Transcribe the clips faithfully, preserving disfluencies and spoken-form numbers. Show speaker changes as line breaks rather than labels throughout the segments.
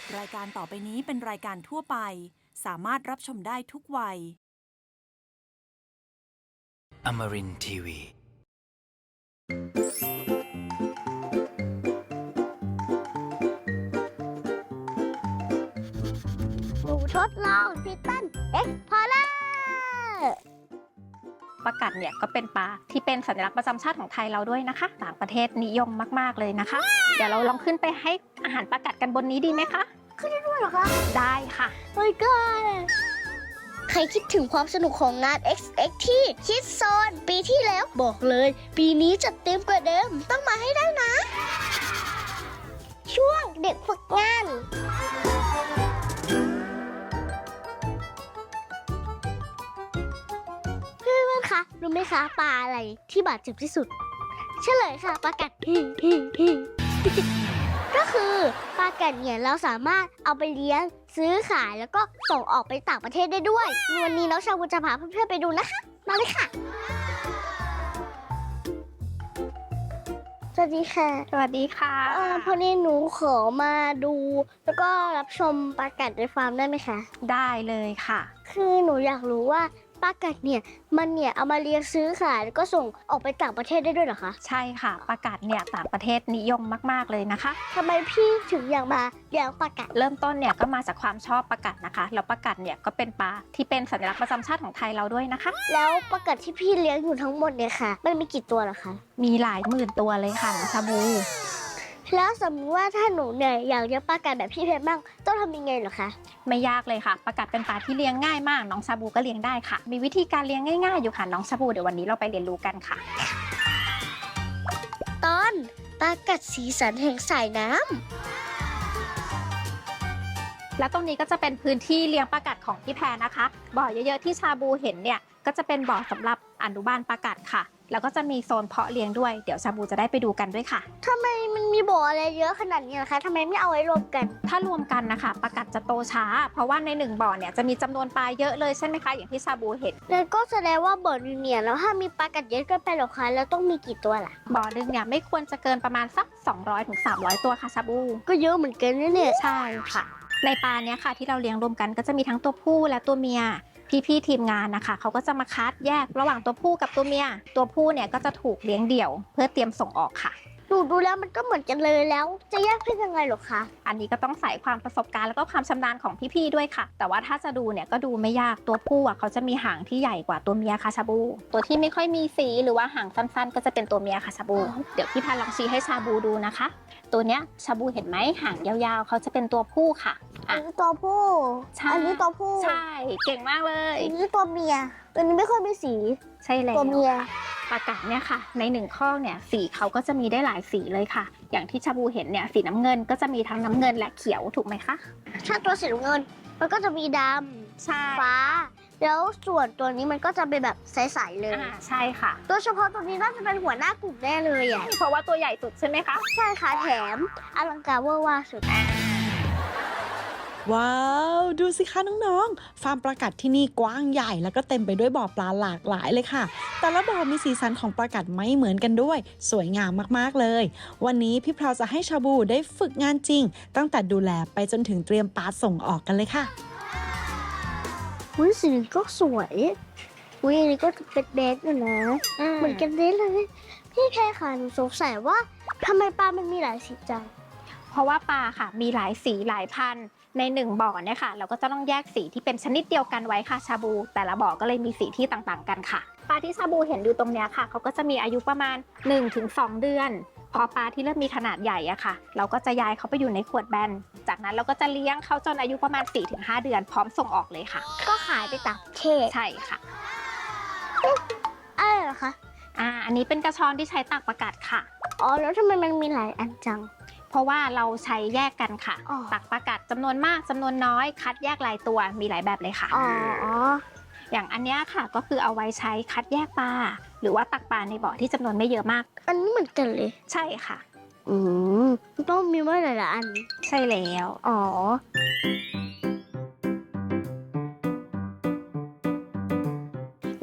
รายการต่อไปนี้เป็นรายการทั่วไปสามารถรับชมได้ทุกวัย
Amarin ที วี
หนูทดลองทิตันเอ็กพอร์เลอร์
ปลากัดเนี่ยก็เป็นปลาที่เป็นสัญลักษณ์ประจำชาติของไทยเราด้วยนะคะ ต่างประเทศนิยมมากๆเลยนะคะ เดี๋ยวเราลองขึ้นไปให้อาหารปลากัดกันบนนี้ดีไหมคะ
ขึ้นได้ด้วยเหรอคะ
ได้ค่ะ
โอ้ยก็ใครคิดถึงความสนุกของงาน เอ็กซ์ เอ็กซ์ ที่คิดโซนปีที่แล้วบอกเลย ปีนี้จัดเต็มกว่าเดิมต้องมาให้ได้นะ ช่วงเด็กฝึกงานเพื่อนๆคะรู้ไหมคะปลาอะไรที่บาดเจ็บที่สุด เฉลยค่ะปลากัด ก็คือปลากัดเนี่ยเราสามารถเอาไปเลี้ยงซื้อขายแล้วก็ส่งออกไปต่างประเทศได้ด้วยวันนี้น้องชาบูจะพาเพื่อนๆไปดูนะคะมาเลยค่ะสวัสดีค่ะ
สวัสดีค่ะ
เอ่อพอดีหนูขอมาดูแล้วก็รับชมปลากัดในฟาร์มได้ไหมคะ
ได้เลยค่ะ
คือหนูอยากรู้ว่าปลากัดเนี่ยมันเนี่ยเอามาเลี้ยงซื้อขายแล้วก็ส่งออกไปต่างประเทศได้ด้วยเหรอคะ
ใช่ค่ะปลากัดเนี่ยต่างประเทศนิยมมากๆเลยนะคะ
ทำไมพี่ถึงอยากมาเลี้ยงปลากัด
เริ่มต้นเนี่ยก็มาจากความชอบปลากัดนะคะ แล้วปลากัดเนี่ยก็เป็นปลาที่เป็นสัญลักษณ์ประจำชาติของไทยเราด้วยนะคะ
แล้วปลากัดที่พี่เลี้ยงอยู่ทั้งหมดเนี่ยค่ะมันมีกี่ตัวเหรอคะ
มีหลายหมื่นตัวเลยค่ะน้องชาบู
แล้วสมมติว่าถ้าหนูเนี่ยอยากเลี้ยงปลากัดแบบพี่เพชรบ้างต้องทำยังไงเหรอคะ
ไม่ยากเลยค่ะปลากัดเป็นปลาที่เลี้ยงง่ายมากน้องชาบูก็เลี้ยงได้ค่ะ มีวิธีการเลี้ยงง่ายๆอยู่ค่ะน้องชาบูเดี๋ยววันนี้เราไปเรียนรู้กันค่ะ
ตอนปลากัดสีสันแห่งสายน้
แล้วตรงนี้ก็จะเป็นพื้นที่เลี้ยงปลากัดของพี่แพรนะคะ บ่อเยอะๆที่ชาบูเห็นเนี่ยก็จะเป็นบ่อสำหรับอนุบาลปลากัดค่ะ แล้วก็จะมีโซนเพาะเลี้ยงด้วยเดี๋ยวชาบูจะได้ไปดูกันด้วยค่ะ
ำทำไมมันมีบ่ออะไรเยอะขนาดนี้นะคะทำไมไม่เอาไว้รวมกัน
ถ้ารวมกันนะคะปลากัดจะโตช้า เพราะว่าในหนึ่งบ่อเนี่ยจะมีจำนวนปลาเยอะเลยใช่ไหมคะอย่างที่ชาบูเห็น
แล้วก็แสดงว่าบ่อนึงเนี่ยแล้วถ้ามีปลากัดเยอะเกินไปเหรอคะแล้วต้องมีกี่ตัวล่ะ
บ่อหนึงเนี่ยไม่ควรจะเกินประมาณสักสองร้อยถึงสามร้อยตัวค่ะชาบู
ก็เยอะเหมือนกันนะเนี่ย
ใช่ค่ะ ในปลาเนี้ยค่ะที่เราเลี้ยงรวมกันก็จะมีทั้งตัวผู้และตัวเมีย พี่ๆทีมงานนะคะเขาก็จะมาคัดแยกระหว่างตัวผู้กับตัวเมีย ตัวผู้เนี่ยก็จะถูกเลี้ยงเดี่ยว เพื่อเตรียมส่งออกค่ะ
หนูดูแล้วมันก็เหมือนกันเลยแล้ว จะแยกเพศยังไงเหรอคะ
อันนี้ก็ต้องใส่ความประสบการณ์แล้วก็ความชำนาญของพี่ๆด้วยค่ะ แต่ว่าถ้าจะดูเนี่ยก็ดูไม่ยากตัวผู้อ่ะเขาจะมีหางที่ใหญ่กว่าตัวเมียค่ะชาบู ตัวที่ไม่ค่อยมีสีหรือว่าหางสั้นๆ ก็จะเป็นตัวเมียค่ะชาบู เดี๋ยวพี่พันลองชี้ให้ชาบูดูนะคะ ตัวเนี้ยชาบูเห็นไหมหางยาวๆเขาจะเป็นตัวผู้ค่ะ
อันนี้ตัวผู้
ใช่
อันนี้ตัวผู้
ใช่เก่งมากเลย
อันนี้ตัวเมีย ตัวนี้ไม่ค่อยมีสี
ใช่แล้ว
ตัวเมีย
ปลากัดเนี่ยค่ะในหนึ่งข้อเนี่ยสีเขาก็จะมีได้หลายสีเลยค่ะ อย่างที่ชาบูเห็นเนี่ยสีน้ำเงินก็จะมีทั้งน้ำเงินและเขียวถูกไหมคะ
ถ้าตัวสีน้ำเงิน มันก็จะมีด
ใช่
ำฟ้า แล้วส่วนตัวนี้มันก็จะเป็นแบบใสๆเลย
อ่าใช่ค่ะ
โดยเฉพาะตัวนี้น่าจะเป็นหัวหน้ากลุ่มแน่เลยอ่ะ
เพราะว่าตัวใหญ่สุดใช่ไหมคะ
ใช่ค่ะแถมอลังการเวอร์ว่าสุด
ว้าว ดูสิคะน้องๆ ฟาร์มปลากัดที่นี่กว้างใหญ่แล้วก็เต็มไปด้วยบ่อปลาหลากหลายเลยค่ะ แต่ละบ่อมีสีสันของปลากัดไม่เหมือนกันด้วย สวยงามมากๆเลย วันนี้พี่พราวจะให้ชาบูได้ฝึกงานจริง ตั้งแต่ดูแลไปจนถึงเตรียมปลาส่งออกกันเลยค่ะ
อุ้ยสีนี้ก็สวยอุ้ยอันนี้ก็เป็นแบดอยู่นะ เหมือนกันเลยเลย พี่แค่ค่ะหนูสงสัยว่าทำไมปลามันมีหลายสีจัง
เพราะว่าปลาค่ะมีหลายสีหลายพันธุ์ในหนึ่งบ่อเนี่ยค่ะเราก็จะต้องแยกสีที่เป็นชนิดเดียวกันไว้ค่ะชาบู แต่ละบ่อก็เลยมีสีที่ต่างๆกันค่ะ ปลาที่ชาบูเห็นอยู่ตรงเนี้ยค่ะเขาก็จะมีอายุประมาณ หนึ่งถึงสอง เดือน พอปลาที่เริ่มมีขนาดใหญ่อะค่ะ เราก็จะย้ายเขาไปอยู่ในขวดแบนจากนั้นเราก็จะเลี้ยงเขาจนอายุประมาณ สี่ถึงห้า เดือนพร้อมส่งออกเลยค่ะ
ก็ขายไปต่างประเทศ
ใช่ค่ะ
อะไรเหรอคะ
อ่าอันนี้เป็นกระชอนที่ใช้ตักปลากัดค่ะ
อ๋อแล้วทำไมมันมีหลายอันจัง
เพราะว่าเราใช้แยกกันค่ะ
อ๋อ
ตักปลากัดจำนวนมากจำนวนน้อยคัดแยกรายตัวมีหลายแบบเลยค่ะ
อ๋ออ๋อ
อย่างอันเนี้ยค่ะก็คือเอาไว้ใช้คัดแยกปลาหรือว่าตักปลาในบ่อที่จำนวนไม่เยอะมาก
อันนี้เหมือนกันเลย
ใช่ค่ะ
อืมต้องมีไว้หลายๆอัน
ใช่แล้ว
อ๋อ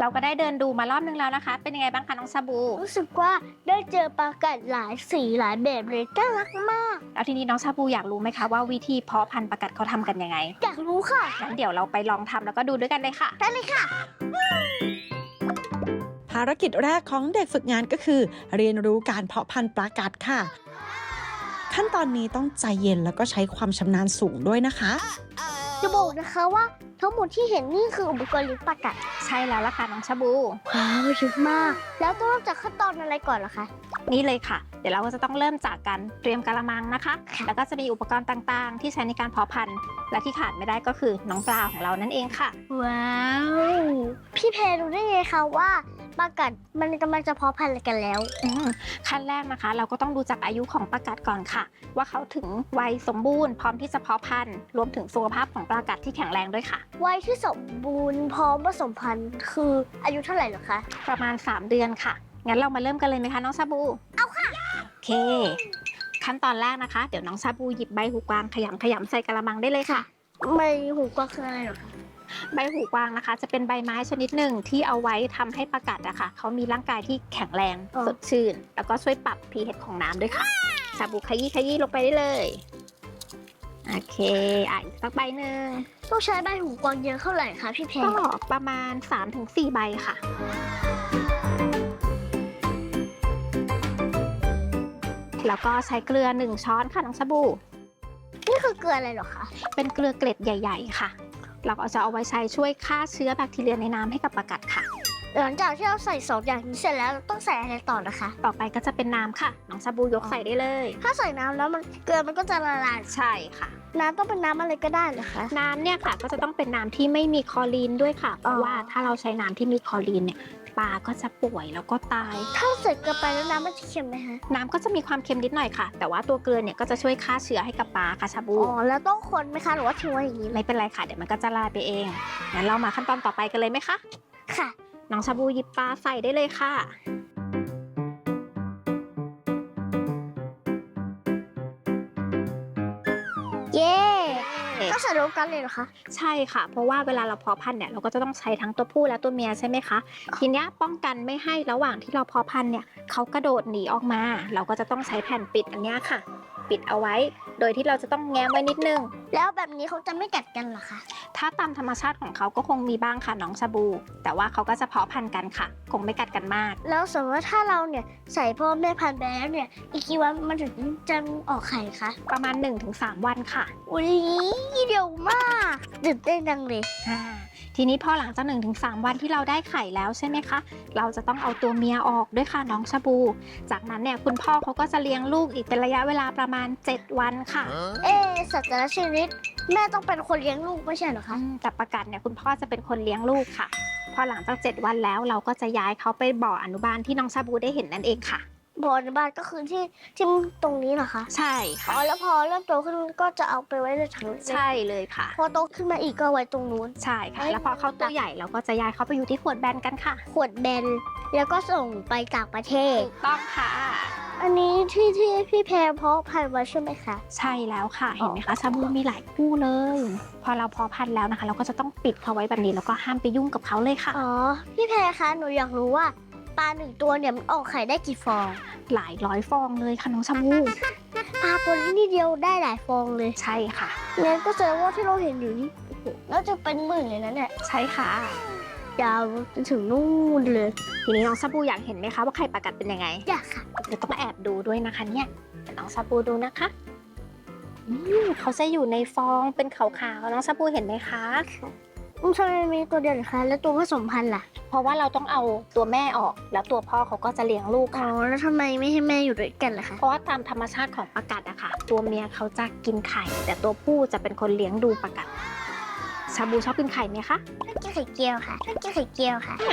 เราก็ได้เดินดูมารอบนึงแล้วนะคะ เป็นยังไงบ้างคะน้องชาบู
รู้สึกว่าได้เจอปลากัดหลายสีหลายแบบเลยน่ารักมาก
แล้วทีนี้น้องชาบูอยากรู้ไหมคะว่าวิธีเพาะพันธุ์ปลากัดเขาทำกันยังไง
อยากรู้ค่ะ
งั้นเดี๋ยวเราไปลองทำแล้วก็ดูด้วยกันเลยค่ะ
ได้เลยค่ะ
ภารกิจแรกของเด็กฝึกงานก็คือ เรียนรู้การเพาะพันธุ์ปลากัดค่ะ ขั้นตอนนี้ต้องใจเย็นแล้วก็ใช้ความชำนาญสูงด้วยนะคะ
จะบอกนะคะว่าทั้งหมดที่เห็นนี่คืออุปกรณ์เลี้ยงปลากัด
ใช่แล้วล่ะค่ะน้องชาบู
ว้าวเยอะมาก แล้วต้องเริ่มจากขั้นตอนอะไรก่อนล่ะคะ
นี่เลยค่ะ เดี๋ยวเราก็จะต้องเริ่มจากการเตรียมกะละมังนะคะ
ค่ะ
แล้วก็จะมีอุปกรณ์ต่างๆ ที่ใช้ในการเพาะพันธุ์ และที่ขาดไม่ได้ก็คือน้องปลาของเรานั่นเองค่ะ
ว้าว พี่แพรรู้ได้ไงคะว่าปลากัดมันกำลังจะเพาะพันธุ์อะไรกันแล้ว
อืมขั้นแรกนะคะ เราก็ต้องดูจากอายุของปลากัดก่อนค่ะ ว่าเขาถึงวัยสมบูรณ์พร้อมที่จะเพาะพันธุ์รวมถึงสุขภาพของปลากัดที่แข็งแรงด้วยค่ะ
วัยที่สมบูรณ์พร้อมผสมพันธุ์คืออายุเท่าไหร่เหรอคะ
ประมาณสามเดือนค่ะ งั้นเรามาเริ่มกันเลยไหมคะน้องชาบู เอาค่ะ โอเค ขั้นตอนแรกนะคะ เดี๋ยวน้องชาบูหยิบใบหูกวางขยำขยำใส่กะละมังได้เลยค่ะ
ไม่หูกวางคืออะไรเหรอคะ
ใบหูกวางนะคะ จะเป็นใบไม้ชนิดหนึ่งที่เอาไว้ทำให้ปลากัดอะค่ะเขามีร่างกายที่แข็งแรงสดชื่น แล้วก็ช่วยปรับ pH ของน้ำด้วยค่ะชาบูขยี้ขยี้ลงไปได้เลยโอเคอ่ะอีกสักใบหนึ่ง
ต้องใช้ใบหูกวางเยอะเท่าไหร่คะพี่แพร
ก็ประมาณ สามถึงสี่ ใบค่ะ แล้วก็ใช้เกลือหนึ่งช้อนค่ะน้องชาบู
นี่คือเกลืออะไรเหรอคะ
เป็นเกลือเกล็ดใหญ่ ๆ ค่ะ เราก็จะเอาไว้ใช้ช่วยฆ่าเชื้อแบคทีเรียในน้ำให้กับปลากัดค่ะ
หลังจากที่เราใส่สองอย่างนี้เสร็จแล้วเราต้องใส่อะไรต่อนะคะ
ต่อไปก็จะเป็นน้ำค่ะ น้องชาบูยกใส่ได้เลย
ถ้าใส่น้ำแล้วมันเกลือมันก็จะละลาย
ใช่ค่ะ
น้ำต้องเป็นน้ำอะไรก็ได้เหรอคะ
น้ำเนี่ยค่ะก็จะต้องเป็นน้ำที่ไม่มีคลอรีนด้วยค่ะ เพราะว่าถ้าเราใช้น้ำที่มีคลอรีนเนี่ยปลาก็จะป่วยแล้วก็ตาย
ถ้าใส่เกลือไปแล้วน้ำมันจะเค็มไหมคะ
น้ำก็จะมีความเค็มนิดหน่อยค่ะ แต่ว่าตัวเกลือเนี่ยก็จะช่วยฆ่าเชื้อให้กับปลาค่ะชาบู
อ๋อ แล้วต้องคนไหมคะหรือว่าทิ้งไว้อย่างนี้เลย
ไม่เป็นไรค่ะ เดี๋ยวมันก็จะละลายไปเอง งั้นเรามาขั้นตอนต่อไปกันเลยไหมคะ
ค่ะ
น้องชาบูหยิบปลาใส่ได้เลยค่ะ
เย้ต้องใส่รวมกันเลยเหรอคะ
ใช่ค่ะ เพราะว่าเวลาเราเพาะพันธุ์เนี่ยเราก็จะต้องใช้ทั้งตัวผู้และตัวเมียใช่ไหมคะ ทีเนี้ยป้องกันไม่ให้ระหว่างที่เราเพาะพันธุ์เนี่ยเขากระโดดหนีออกมา เราก็จะต้องใช้แผ่นปิดอันเนี้ยค่ะ ปิดเอาไว้ โดยที่เราจะต้องแง้มไว้นิดนึง
แล้วแบบนี้เขาจะไม่กัดกันเหรอคะ
ถ้าตามธรรมชาติของเขาก็คงมีบ้างค่ะน้องชาบู แต่ว่าเขาก็จะเพาะพันธุ์กันค่ะ คงไม่กัดกันมาก
แล้วสมมติว่าถ้าเราเนี่ยใส่พ่อแม่พันธุ์ไปแล้วเนี่ยอีกกี่วันมันถึงจะออกไข่คะ
ประมาณ หนึ่งถึงสาม วันค่ะ
อุ้ยเร็วมากตื่นเต้นจังเลย
อ่าทีนี้พอหลังจาก หนึ่งถึงสาม วันที่เราได้ไข่แล้วใช่ไหมคะ เราจะต้องเอาตัวเมียออกด้วยค่ะน้องชาบู จากนั้นเนี่ยคุณพ่อเขาก็จะเลี้ยงลูกอีกเป็นระยะเวลาประมาณ เจ็ด วันค่ะ
เอ๊ะสัตว์แต่ละชนิดแม่ต้องเป็นคนเลี้ยงลูกไม่ใช่เหรอคะ
อืมแต่ปลากัดเนี่ยคุณพ่อจะเป็นคนเลี้ยงลูกค่ะ พอหลังจาก เจ็ด วันแล้วเราก็จะย้ายเขาไปบ่ออนุบาลที่น้องชาบูได้เห็นนั่นเองค่ะ
บ่อในบ้านก็คือที่ที่ตรงนี้เหรอคะ
ใช่
อ๋
ค่ะ
อแล้วพอเริ่มโตขึ้นก็จะเอาไปไว้ในถังเล็ก
ใช่เลยค่ะ
พอโตขึ้นมาอีกก็ไว้ตรงนู้น
ใช่ค่ะ แล้วพอเขาตัวใหญ่เราก็จะย้ายเขาไปอยู่ที่ขวดแบนกันค่ะ
ขวดแบนแล้วก็ส่งไปต่างประเทศ
ถูกต้องค่ะ
อันนี้ที่ที่พี่แพรเพาะพันธุ์ไว้ใช่ไหมคะ
ใช่แล้วค่ะ เห็นไหมคะชาบูมีหลายคู่เลย พอเราเพาะพันธุ์แล้วนะคะ เราก็จะต้องปิดเขาไว้แบบนี้แล้วก็ห้ามไปยุ่งกับเขาเลยค่ะ
อ๋อ พี่แพรคะหนูอยากรู้ว่าปลาหนึ่งตัวเนี่ยมันออกไข่ได้กี่ฟอง
หลายร้อยฟองเลยค่ะน้องชาบู
ปลาตัวนี้นิดเดียวได้หลายฟองเลย
ใช่ค่ะ
งั้นก็แสดงว่าที่เราเห็นอยู่นี่โอ้โหน่าจะเป็นหมื่นเลยนะเนี่ย
ใช่ค่ะ
ยาวจนถึงนู่นเลย
ทีนี้น้องชาบูอยากเห็นไหมคะว่าไข่ปลากัดเป็นยังไง
อยากค่ะ
เดี๋ยวต้องแอบดูด้วยนะคะเนี่ยเดี๋ยวน้องชาบูดูนะคะอืมเขาจะอยู่ในฟองเป็นขาวๆน้องชาบูเห็นไหมคะ
อืมทำไมมีตัวเดียวเหรอคะ แล้วตัวผสมพันธุ์ล่ะ
เพราะว่าเราต้องเอาตัวแม่ออก แล้วตัวพ่อเขาก็จะเลี้ยงลูก
อ๋อ
ค่ะ
แล้วทำไมไม่ให้แม่อยู่ด้วยกันล่ะคะ
เพราะว่าตามธรรมชาติของปลากัดอะค่ะ ตัวเมียเขาจะกินไข่ แต่ตัวผู้จะเป็นคนเลี้ยงดูปลากัด ชาบูชอบกินไข่ไหมคะ
ชอบกินไข่เจียวค่ะชอบกินไข่เจียวค่ะ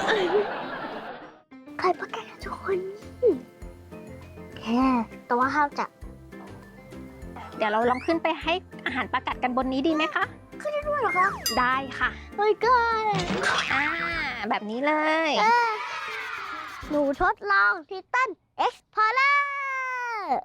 ไข่ปลาแก่ทุกคนแค่แต่ว่าห้ามจับ
เดี๋ยวเราลองขึ้นไปให้อาหารปลากัดกันบนนี้ดีไหมคะ
ด้วยเหรอคะ
ได้ค่ะ
เฮ้ยก็
อ่าแบบนี้เลย
หนูทดลองทิตันเอ็กซ์พอร์เลอร์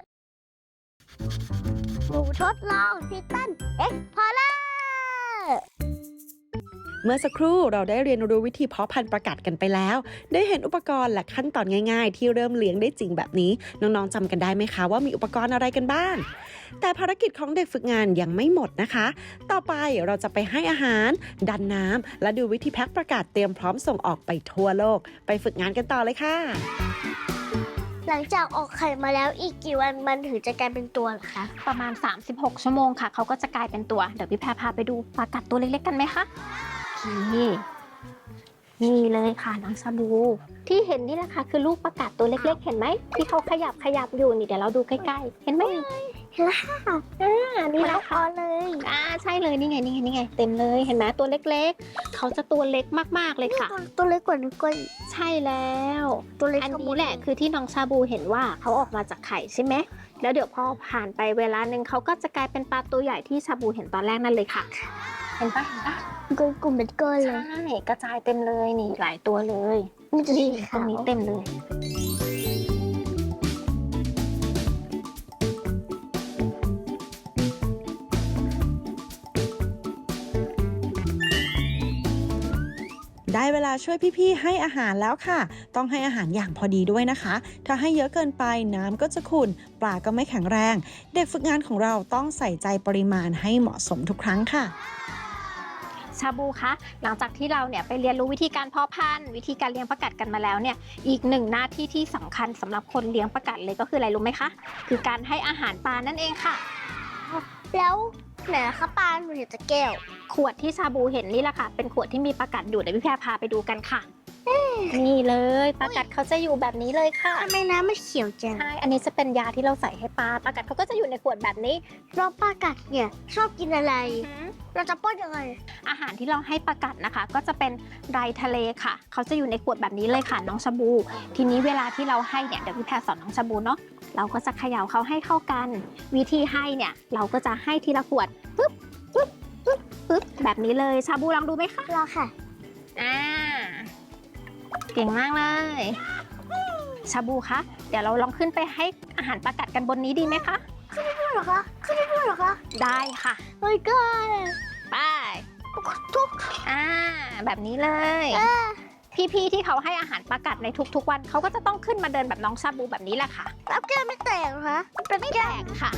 หนูทดลองทิตันเอ็กซ์พอร์เลอร์
เมื่อสักครู่เราได้เรียนรู้วิธีเพาะพันธุ์ปลากัดกันไปแล้ว ได้เห็นอุปกรณ์และขั้นตอนง่ายๆที่เริ่มเลี้ยงได้จริงแบบนี้น้องๆจำกันได้ไหมคะว่ามีอุปกรณ์อะไรกันบ้างแต่ภารกิจของเด็กฝึกงานยังไม่หมดนะคะ ต่อไปเราจะไปให้อาหารดันน้ำและดูวิธีแพ็คปลากัดเตรียมพร้อมส่งออกไปทั่วโลกไปฝึกงานกันต่อเลยค่ะ
หลังจากออกไข่มาแล้วอีกกี่วันมันถึงจะกลายเป็นตัวเหรอคะ
ประมาณสามสิบหกชั่วโมงค่ะเขาก็จะกลายเป็นตัวเดี๋ยวพี่แพรพาไปดูปลากัดตัวเล็กๆกันไหมคะนี่นี่เลยค่ะน้องชาบูที่เห็นนี่แหละค่ะคือลูกปลากัดตัวเล็กๆเห็นไหมที่เขาขยับขยับอยู่นี่เดี๋ยวเราดูใกล้ๆเห็นไหม
เห็นแล้วค่ะ
อ่านี่แหละ
พ
ค่ะ
อเลย
อ่าใช่เลยนี่ไงนี่ไงนี่ไงเต็มเลยเห็นไหมตัวเล็กๆเขาจะตัวเล็กมากๆเลยค่ะ
ตัวเล็กกว่านิ้วก้อย
ใช่แล้ว
ตัวเล็ก
อันนี้แหละคือที่น้องชาบูเห็นว่าเขาออกมาจากไข่ใช่ไหมแล้วเดี๋ยวพอผ่านไปเวลาหนึ่งเขาก็จะกลายเป็นปลาตัวใหญ่ที่ชาบูเห็นตอนแรกนั่นเลยค่ะเห็นปะเห็นปะ
ก้อยกลุ่มเป็นก้อนเลย
ใช่กระจายเต็มเลยนี่หลายตัวเลย
นี่จะ
นี่
สี
ตร
ขาง ว
นี้เต็มเลย
ได้เวลาช่วยพี่ๆให้อาหารแล้วค่ะต้องให้อาหารอย่างพอดีด้วยนะคะถ้าให้เยอะเกินไปน้ำก็จะขุ่นปลาก็ไม่แข็งแรงเด็กฝึกงานของเราต้องใส่ใจปริมาณให้เหมาะสมทุกครั้งค่ะ
ชาบูคะหลังจากที่เราเนี่ยไปเรียนรู้วิธีการเพาะพันธุ์วิธีการเลี้ยงปลากัดกันมาแล้วเนี่ยอีกหนึ่งหน้าที่ที่สำคัญสำหรับคนเลี้ยงปลากัดเลยก็คืออะไรรู้ไหมคะคือการให้อาหารปลานั่นเองค่ะ
แล้วไหนคะปลาหนูเห็นแต่แก้ว
ขวดที่ชาบูเห็นนี่แหละค่ะเป็นขวดที่มีปลากัดอยู่เดี๋ยวพี่แพรพาไปดูกันค่ะนี่เลยปลากัดเขาจะอยู่แบบนี้เลยค่ะ
ทำไมน้ำมันเขียวจัง
ใช่อันนี้จะเป็นยาที่เราใส่ให้ปลาปลากัดเขาก็จะอยู่ในขวดแบบนี้
แล้วปลากัดเนี่ยชอบกินอะไร เราจะป้อนยังไง
อาหารที่เราให้ปลากัดนะคะ ก็จะเป็นไรทะเลค่ะเขาจะอยู่ในขวดแบบนี้เลยค่ะน้องชาบู ทีนี้เวลาที่เราให้เนี่ยเดี๋ยวพี่แพรสอนน้องชาบูเนาะเราก็จะเขย่าเขาให้เข้ากัน วิธีให้เนี่ยเราก็จะให้ทีละขวดปึ๊บปึ๊บปึ๊บปึ๊บแบบนี้เลยชาบูลองดูไหมคะ
รอค่ะ
อ่าเก่งมากเลยชาบูคะเดี๋ยวเราลองขึ้นไปให้อาหารปลากัดกันบนนี้ดีไหมคะ
ด้วยเหรอคะขึ้นได้ด้วยเหรอคะ
ได้ค่ะ
เฮ้ยก้อย
ไป
ทุก
อ่าแบบนี้เลย พี่ๆที่เขาให้อาหารปลากัดในทุกๆวันเขาก็จะต้องขึ้นมาเดินแบบน้องชาบูแบบนี้แหละค่ะ
แล้วแก้วไม่แตกเหรอคะเป็น
ไม่
แก้
แต
ว
กค่ะ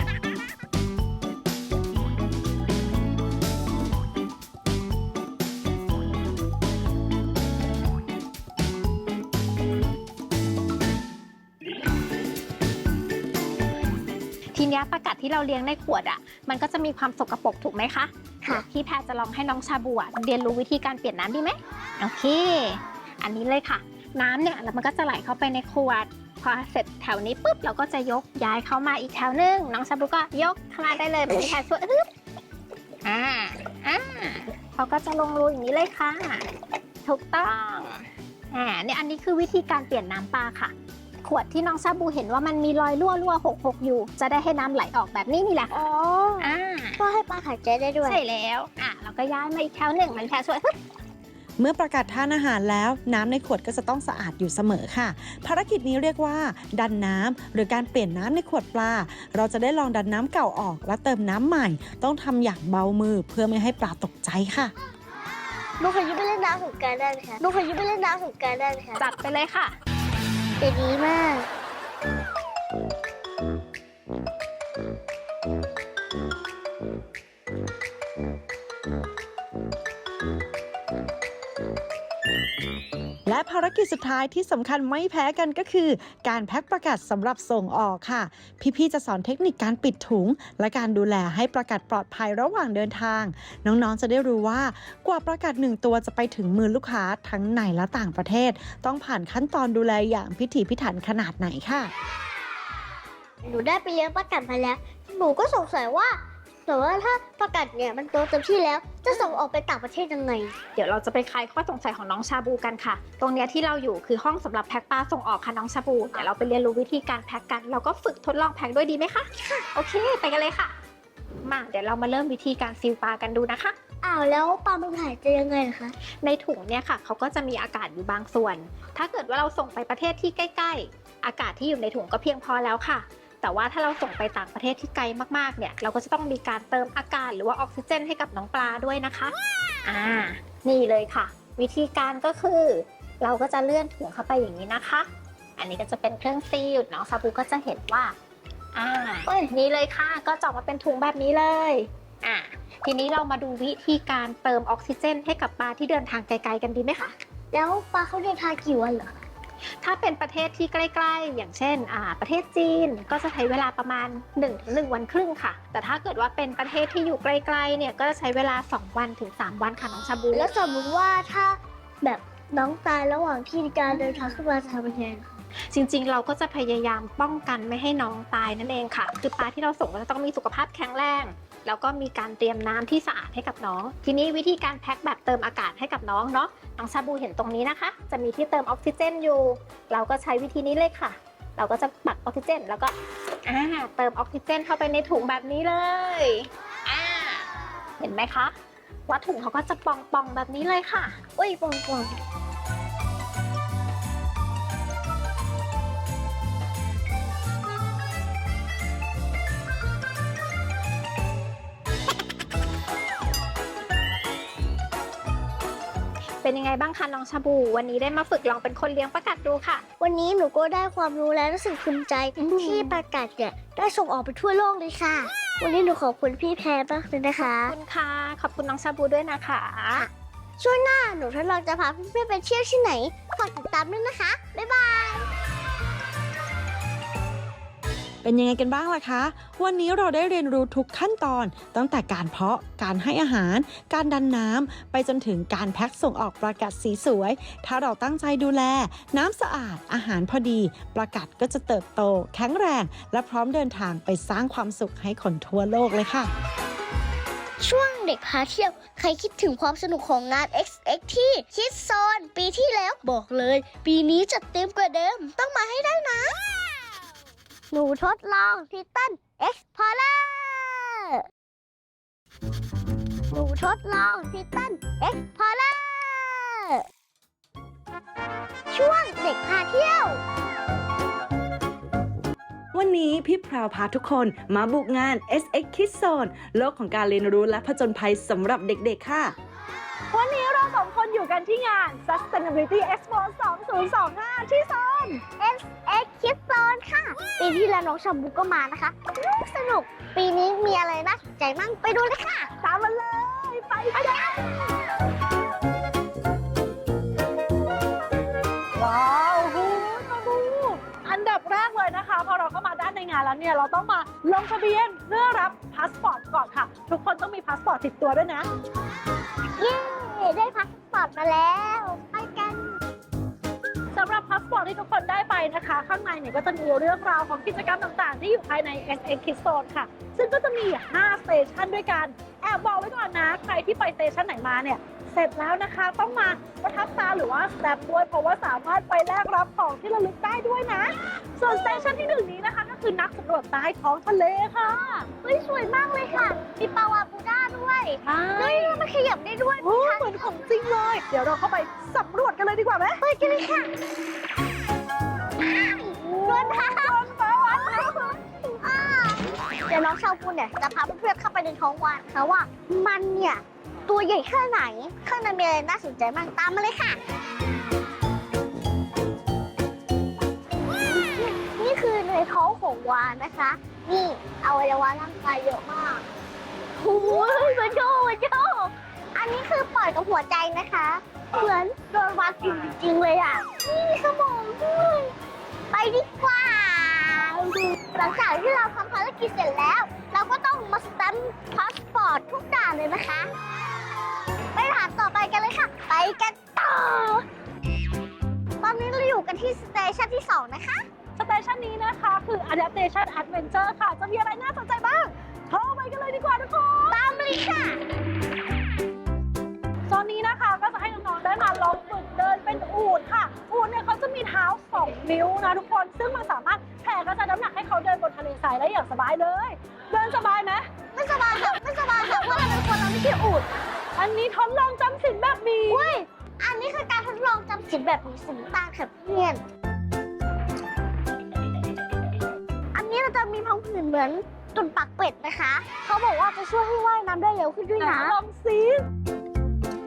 ทีนี้ปลากัดที่เราเลี้ยงในขวดอ่ะมันก็จะมีความสกปรกถูกไหมคะค่ะพี่แพรจะลองให้น้องชาบูอะเรียนรู้วิธีการเปลี่ยนน้ำดีไหมโอเค อันนี้เลยค่ะ น้ำเนี่ยแล้วมันก็จะไหลเข้าไปในขวดพอเสร็จแถวนี้ปุ๊บเราก็จะยกย้ายเข้ามาอีกแถวนึงน้องชาบูก็ยกเข้ามาได้เลยพี่แพรช่วยอึ๊บอ่าอ่าเขาก็จะลงรูอย่างนี้เลยค่ะถูกต้องอ่าเนี่ยอันนี้คือวิธีการเปลี่ยนน้ำปลาค่ะ ขวดที่น้องชาบูเห็นว่ามันมีรอยรั่วรั่วหกหกอยู่ จะได้ให้น้ำไหลออกแบบนี้นี่แหละ
อ๋อ
อ่า
ก็ให้ปลาหายใจได้ด้วย
ใช่แล้วอ่ะเราก็ย้ายมาอีกแถวหนึ่งมันแพรช่วย
เมื่อประกาศทานอาหารแล้วน้ำในขวดก็จะต้องสะอาดอยู่เสมอค่ะ ภารกิจนี้เรียกว่า ดันน้ำหรือการเปลี่ยนน้ำในขวดปลาเราจะได้ลองดันน้ำเก่าออกและเติมน้ำใหม่ ต้องทำอย่างเบามือเพื่อไม่ให้ปลาตกใจค่ะ
หนูขอยืมไปเล่นน้ำสงกรานต์ได้ไหมคะหนูขอยืมไปเล่นน้ำสงกรานต์ได้ไหมคะ
จัดไปเลยค่ะ
จะดีมาก
และภารกิจสุดท้ายที่สำคัญไม่แพ้กันก็คือ การแพ็คประกาศสำหรับส่งออกค่ะ พี่ๆจะสอนเทคนิคการปิดถุง และการดูแลให้ประกาศปลอดภัยระหว่างเดินทาง น้องๆจะได้รู้ว่ากว่าประกาศหนึ่งตัวจะไปถึงมือลูกค้าทั้งในและต่างประเทศ ต้องผ่านขั้นตอนดูแลอย่างพิถีพิถันขนาดไหนค่ะ
หนูได้ไปเลี้ยงปลากัดมาแล้ว หนูก็สงสัยว่าแต่ว่าถ้าปลากัดเนี่ยมันโตเต็มที่แล้ว จะส่งออกไปต่างประเทศยังไง
เดี๋ยวเราจะไปคลายข้อสงสัยของน้องชาบูกันค่ะ ตรงเนี้ยที่เราอยู่คือห้องสำหรับแพ็คปลาส่งออกค่ะน้องชาบู เดี๋ยวเราไปเรียนรู้วิธีการแพ็คกัน เราก็ฝึกทดลองแพ็คด้วยดีไหมคะ โอเค ไปกันเลยค่ะ มาเดี๋ยวเรามาเริ่มวิธีการซีลปลากันดูนะคะ
อ้าวแล้วปลามันหายใจยังไงคะ
ในถุงเนี่ยค่ะเขาก็จะมีอากาศอยู่บางส่วน ถ้าเกิดว่าเราส่งไปประเทศที่ใกล้ๆ อากาศที่อยู่ในถุงก็เพียงพอแล้วค่ะ แต่ว่าถ้าเราส่งไปต่างประเทศที่ไกลมากๆเนี่ยเราก็จะต้องมีการเติมอากาศหรือว่าออกซิเจนให้กับน้องปลาด้วยนะคะอ่านี่เลยค่ะ วิธีการก็คือ เราก็จะเลื่อนถุงเข้าไปอย่างนี้นะคะ อันนี้ก็จะเป็นเครื่องซีลน้องชาบูก็จะเห็นว่าอ่าเอ้ยนี่เลยค่ะก็จะออกมาเป็นถุงแบบนี้เลยอ่าทีนี้เรามาดูวิธีการเติมออกซิเจนให้กับปลาที่เดินทางไกลๆกันดีไหมคะ
แล้วปลาเขาเดินทางกี่วันเหรอ
ถ้าเป็นประเทศที่ใกล้ๆ อย่างเช่นอ่าประเทศจีนก็จะใช้เวลาประมาณ หนึ่งถึงหนึ่ง วันครึ่งค่ะ แต่ถ้าเกิดว่าเป็นประเทศที่อยู่ไกลๆเนี่ยก็จะใช้เวลาสองวันถึงสามวันค่ะน้องชาบู
แล้วสมมติว่าถ้าแบบน้องตายระหว่างที่การเดินทางขึ้นมาจะทำยังไงคะ
จริงๆ เราก็จะพยายามป้องกันไม่ให้น้องตายนั่นเองค่ะ คือปลาที่เราส่งก็จะต้องมีสุขภาพแข็งแรง แล้วก็มีการเตรียมน้ำที่สะอาดให้กับน้อง ทีนี้วิธีการแพ็คแบบเติมอากาศให้กับน้องเนาะ น้องชาบูเห็นตรงนี้นะคะ จะมีที่เติมออกซิเจนอยู่ เราก็ใช้วิธีนี้เลยค่ะ เราก็จะปักออกซิเจนแล้วก็อ่าเติมออกซิเจนเข้าไปในถุงแบบนี้เลยอ่าเห็นไหมคะว่าถุงเขาก็จะปองๆแบบนี้เลยค่ะ
อุ้ยปองปอง
เป็นยังไงบ้างคะน้องชาบู วันนี้ได้มาฝึกลองเป็นคนเลี้ยงปลากัดดูค่ะ
วันนี้หนูก็ได้ความรู้และรู้สึกภูมิใจที่ปลากัดเนี่ยได้ส่งออกไปทั่วโลกเลยค่ะ วันนี้หนูขอบคุณพี่แพรมากเลยนะคะ
ขอบคุณค่ะ ขอบคุณน้องชาบูด้วยนะคะ
ช่วงหน้าหนูทดลองจะพาเพื่อนๆไปเที่ยวที่ไหนฝากติดตามด้วยนะคะ บ๊ายบาย
เป็นยังไงกันบ้างล่ะคะ วันนี้เราได้เรียนรู้ทุกขั้นตอน ตั้งแต่การเพาะ การให้อาหาร การดันน้ำ ไปจนถึงการแพ็คส่งออกปลากัดสีสวย ถ้าเราตั้งใจดูแล น้ำสะอาด อาหารพอดี ปลากัดก็จะเติบโต แข็งแรง และพร้อมเดินทางไปสร้างความสุขให้คนทั่วโลกเลยค่ะ
ช่วงเด็กพาเที่ยว ใครคิดถึงความสนุกของงาน เอ็กซ์ เอ็กซ์ ที่คิดโซน ปีที่แล้วบอกเลย ปีนี้จัดเต็มกว่าเดิม ต้องมาให้ได้นะ หนูทดลองทิตันเอ็กซ์พอร์เลอร์หนูทดลองทิตันเอ็กซ์พอร์เลอร์ช่วงเด็กพาเที่ยว
วันนี้พี่พราวพาทุกคนมาบุกงาน เอส เอ็กซ์ Kids Zone โลกของการเรียนรู้และผจญภัยสำหรับเด็กๆค่ะ
วันนี้เราสองคนอยู่กันที่งาน Sustainability Expo สองพันยี่สิบห้า ที่โซน
เอส เอ็กซ์ Kids Zone ค่ะ ปีที่แล้วน้องชาบูก็มานะคะ สนุก ปีนี้มีอะไรน่าสนใจมั่งไปดูเลยค่ะ
ตามมาเลย ไปกันว้าวหูมาดูอันดับแรกเลยนะคะ พอเราเข้ามาด้านในงานแล้วเนี่ย เราต้องมาลงทะเบียนเพื่อรับพาสปอร์ตก่อนค่ะ ทุกคนต้องมีพาสปอร์ตติดตัวด้วยนะ
เย้ ได้พาสปอร์ตมาแล้ว ไปกัน
สำหรับพาสปอร์ตที่ทุกคนได้ไปนะคะ ข้างในเนี่ยก็จะมีเรื่องราวของกิจกรรมต่างๆ ที่อยู่ภายใน เอส เอ็กซ์ Kids Zone ค่ะ ซึ่งก็จะมี ห้า สเตชันด้วยกัน แอบบอกไว้ก่อนนะ ใครที่ไปสเตชันไหนมาเนี่ย เสร็จแล้วนะคะ ต้องมาประทับตาหรือว่าสแตมป์ด้วย เพราะว่าสามารถไปแลกรับของที่ระลึกได้ด้วยนะ ส่วนสเตชันที่หนึ่งนี้นะคะ ก็คือนักสำรวจใต้ท้องทะเลค่ะ
เฮ้ย สวยมากเลยค่ะ มีปลาวาบูด้าด้วย
ใช่
เฮ้ย มันขยับได้ด้วย
โอ้เหมือนของจริงเลย เดี๋ยวเราเข้าไปสำรวจกันเลยดีกว่าไหม
ไปกันเลยค่ะโดนท้าโดนปลาวาฬอ่าเดี๋ยวน้องชาวปูเนี่ยจะพาเพื่อนๆเข้าไปในท้องวานค่ะว่ามันเนี่ยตัวใหญ่แค่ไหน ข้างในมีอะไรน่าสนใจบ้างตามมาเลยค่ะ นี่คือในท้องของวานนะคะ นี่อวัยวะร่างกายเยอะมากโอ้ยมาโจมาโจอันนี้คือปอดกับหัวใจนะคะ เหมือนโดนวานกินจริงๆเลยอ่ะ นี่มีสมองด้วยไปดีกว่า หลังจากที่เราทำภารกิจเสร็จแล้ว เราก็ต้องมาสแตมป์พาสปอร์ตทุกด่านเลยนะคะ ไปด่านต่อไปกันเลยค่ะ ไปกันต่อ ตอนนี้เราอยู่กันที่สเตชันที่สองนะคะ
สเตชันนี้นะคะคือ Adaptation Adventure ค่ะ จะมีอะไรน่าสนใจบ้างเข้าไปกันเลยดีกว่าทุกคน
ตามมาเลยค่ะ
โซนนี้นะคะก็จะให้น้องๆได้มาลองฝึกเดินเป็นอูฐค่ะ อูฐเนี่ยเขาจะมีเท้าสองนิ้วนะทุกคน ซึ่งมันสามารถแผ่กระจายน้ำหนักให้เขาเดินบนทะเลทรายได้อย่างสบายเลย เดินสบายไหม
ไม่สบายค่ะ ไม่สบายค่ะเพราะเราเป็นคนเราไม่ใช่อูฐ
อันนี้ทดลองจำศีลแบบมี
เว้ย อันนี้คือการทดลองจำศีลแบบมีสีตาค่ะเพื่อน อันนี้เราจะมีพังผืดเหมือนตุ่นปากเป็ดนะคะ เขาบอกว่าจะช่วยให้ว่ายน้ำได้เร็วขึ้นด้วยนะ
ลองซิ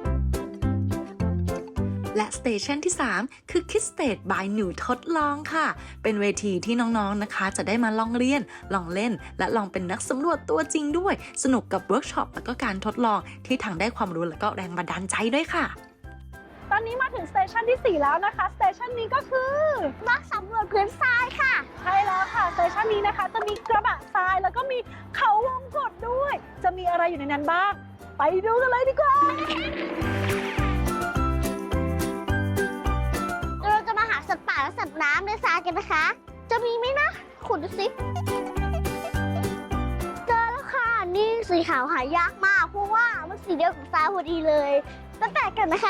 และสเตชันที่สามคือ Kids Stage by หนูทดลองค่ะ เป็นเวทีที่น้องๆนะคะ จะได้มาลองเรียนลองเล่น และลองเป็นนักสำรวจตัวจริงด้วยสนุกกับเวิร์กช็อปแล้วก็การทดลองที่ทั้งได้ความรู้และก็แรงบันดาลใจด้วยค่ะ
ตอนนี้มาถึงสเตชันที่สี่แล้วนะคะสเตชันนี้ก็คือ
นักสำรวจพื้นทรายค่ะ
ใช่แล้วค่ะสเตชันนี้นะคะจะมีกระบะทรายแล้วก็มีเขาวงกตด้วย จะมีอะไรอยู่ในนั้นบ้าง ไปดูกันเลยดีกว่า
เราจะมาหาสัตว์ป่าและสัตว์น้ำในทรายกันนะคะ จะมีไหมนะขุดดูสิเจอแล้วค่ะ นี่สีขาวหายากมาก เพราะว่ามันสีเดียวกับทรายพอดีเลยตั้งแต่กันนะคะ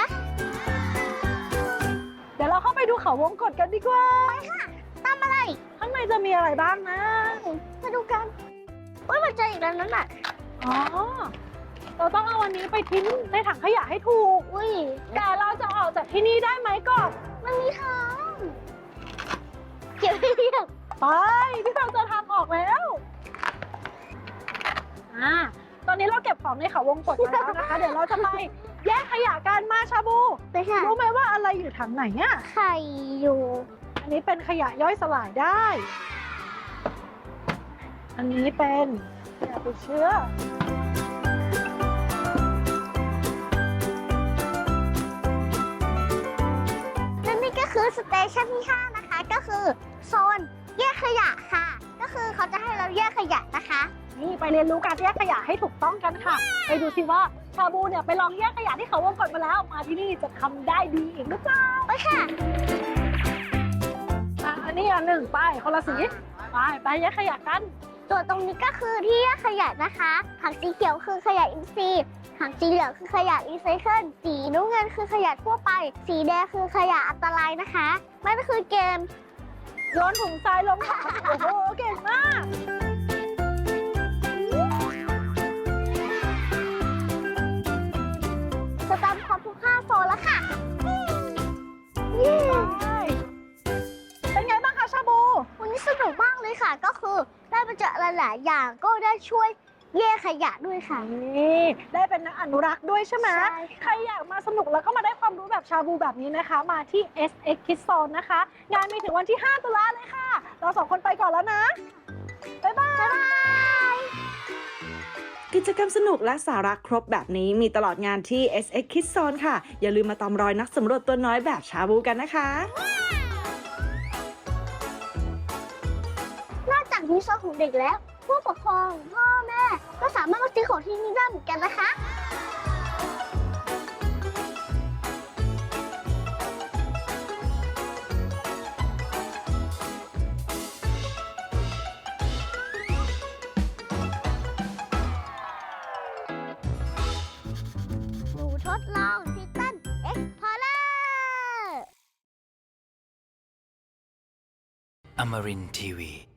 เดี๋ยวเราเข้าไปดูเขาวงกตกันดีกว่า
ตามอะไร
ข้างในจะมีอะไรบ้างนะ
มาดูกันว่ามันเจออีกแล้วนั่นน่ะ
อ๋อ เราต้องเอาวันนี้ไปทิ้งในถังขยะให้ถูก
อุ้ย
แต่เราจะออกจากที่นี่ได้ไหมก่อน
มันมีทางเก็บให้เรียบ
ไปพี่เราเจอทางออกแล้วอ่าตอนนี้เราเก็บของในเขาวงกตมาแล้วนะคะ เดี๋ยวเราจะไปแยกขยะกันมาชาบู
ไปค่ะ
รู้ไหมว่าอะไรอยู่ถังไหนอ่ะ
ไข่อยู่
อันนี้เป็นขยะย่อยสลายได้ อันนี้เป็นขยะติดเชื้อ
และนี่ก็คือสเตชันที่ห้านะคะ ก็คือโซนแยกขยะค่ะ ก็คือเขาจะให้เราแยกขยะนะคะ
นี่ไปเรียนรู้การแยกขยะให้ถูกต้องกันค่ะ ไปดูสิว่าชาบูเนี่ยไปลองแยกขยะที่เขาวงกตมาแล้ว มาที่นี่จะทำได้ดีอีกหรือเปล่า
ไปค่ะ
อ่ะอันนี้อันหนึ่งไปคนละสี ไปไปแยกขยะกัน
ตัวตรงนี้ก็คือที่แยกขยะนะคะถังสีเขียวคือขยะอินทรีย์ถังสีเหลืองคือขยะรีไซเคิล สีน้ำเงินคือขยะทั่วไป สีแดงคือขยะอันตรายนะคะนั่นก็คือเกม
โยนถุงทรายลงถังโอ้โห เก่งมาก
สแตมป์ครบทุกห้าโซนแล้วค่ะเย้
เป็นไงบ้างคะชาบู
วันนี้สนุกมากเลยค่ะ ก็คือได้มาเจอหลายๆอย่างก็ได้ช่วยแยกขยะด้วยค่ะ
นี่ได้เป็นนักอนุรักษ์ด้วยใช่ไหม
ใช่ค่ะ
ใครอยากมาสนุกแล้วก็มาได้ความรู้แบบชาบูแบบนี้นะคะ มาที่ เอส เอ็กซ์ Kids Zone นะคะ งานมีถึงวันที่ ห้า ตุลาเลยค่ะ เราสองคนไปก่อนแล้วนะ บ๊ายบาย
กิจกรรมสนุกและสาระครบแบบนี้มีตลอดงานที่ เอส เอ็กซ์ Kids Zone ค่ะ อย่าลืมมาตามรอยนักสำรวจตัวน้อยแบบชาบูกันนะคะ
นอกจากมีโซนของเด็กแล้ว ผู้ปกครองพ่อแม่ ก็สามารถมาซื้อของที่นี่ได้เหมือนกันนะคะ หนูทดลองทิตันเอ็กพอร์เลอร์
Amarin Tiwi.